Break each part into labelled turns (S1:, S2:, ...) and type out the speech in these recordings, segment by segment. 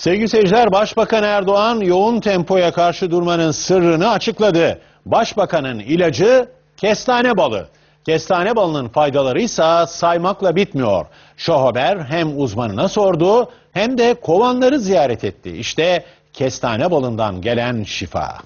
S1: Sevgili seyirciler, Başbakan Erdoğan yoğun tempoya karşı durmanın sırrını açıkladı. Başbakanın ilacı kestane balı. Kestane balının faydaları ise saymakla bitmiyor. Show Haber hem uzmanına sordu hem de kovanları ziyaret etti. İşte kestane balından gelen şifa.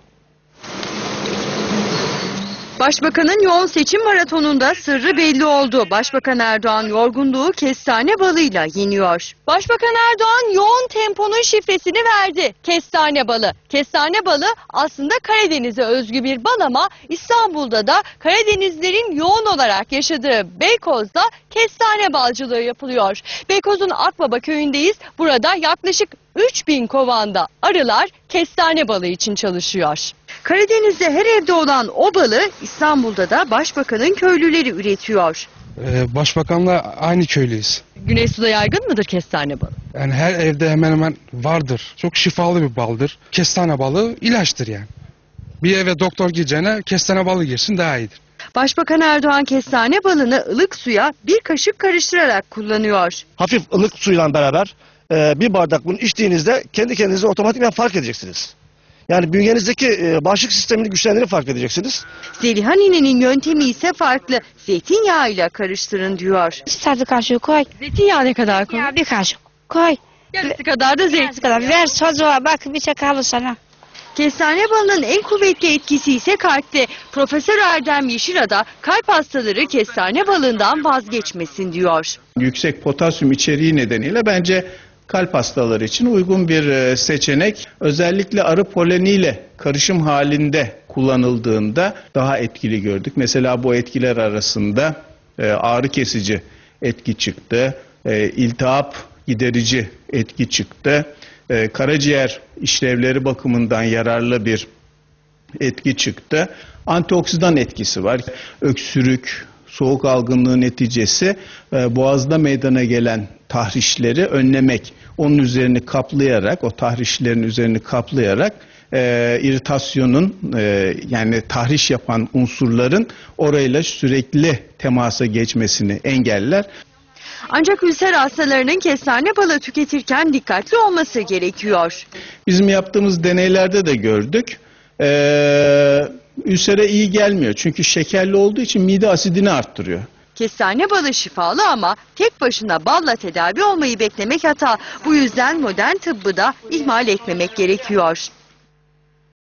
S2: Başbakanın yoğun seçim maratonunda sırrı belli oldu. Başbakan Erdoğan yorgunluğu kestane balıyla yeniyor. Başbakan Erdoğan yoğun temponun şifresini verdi. Kestane balı. Kestane balı aslında Karadeniz'e özgü bir bal ama İstanbul'da da Karadenizlerin yoğun olarak yaşadığı Beykoz'da kestane balcılığı yapılıyor. Beykoz'un Akbaba köyündeyiz. Burada yaklaşık 3000 kovanda arılar kestane balı için çalışıyor. Karadeniz'de her evde olan o balı İstanbul'da da başbakanın köylüleri üretiyor.
S3: Başbakanla aynı köylüyüz.
S2: Güneysu'da yaygın mıdır kestane balı?
S3: Yani her evde hemen hemen vardır. Çok şifalı bir baldır. Kestane balı ilaçtır yani. Bir eve doktor gireceğine kestane balı girsin daha iyidir.
S2: Başbakan Erdoğan kestane balını ılık suya bir kaşık karıştırarak kullanıyor.
S4: Hafif ılık suyla beraber bir bardak bunu içtiğinizde kendi kendinize otomatikman fark edeceksiniz. Yani bünyenizdeki bağışıklık sistemini güçlendirip fark edeceksiniz.
S2: Zeliha ninenin yöntemi ise farklı. Zeytinyağıyla karıştırın diyor.
S5: Tatlı kaşığı koy.
S2: Zeytinyağı ne kadar koy?
S5: Ya bir kaşık koy.
S2: Yarısı kadar da zeytin.
S5: Kadar. Ver çocuğa bak bir şey kalır sana.
S2: Kestane balının en kuvvetli etkisi ise kalpte. Profesör Erdem Yeşilada kalp hastaları kestane balından vazgeçmesin diyor.
S6: Yüksek potasyum içeriği nedeniyle bence kalp hastaları için uygun bir seçenek. Özellikle arı poleniyle karışım halinde kullanıldığında daha etkili gördük. Mesela bu etkiler arasında ağrı kesici etki çıktı, iltihap giderici etki çıktı, karaciğer işlevleri bakımından yararlı bir etki çıktı. Antioksidan etkisi var. Öksürük, soğuk algınlığı neticesi boğazda meydana gelen tahrişleri önlemek, onun üzerini kaplayarak, o tahrişlerin üzerini kaplayarak iritasyonun yani tahriş yapan unsurların orayla sürekli temasa geçmesini engeller.
S2: Ancak ülser hastalarının kestane balı tüketirken dikkatli olması gerekiyor.
S6: Bizim yaptığımız deneylerde de gördük. Ülsere iyi gelmiyor çünkü şekerli olduğu için mide asidini arttırıyor.
S2: Kestane balı şifalı ama tek başına balla tedavi olmayı beklemek hata. Bu yüzden modern tıbbı da ihmal etmemek gerekiyor.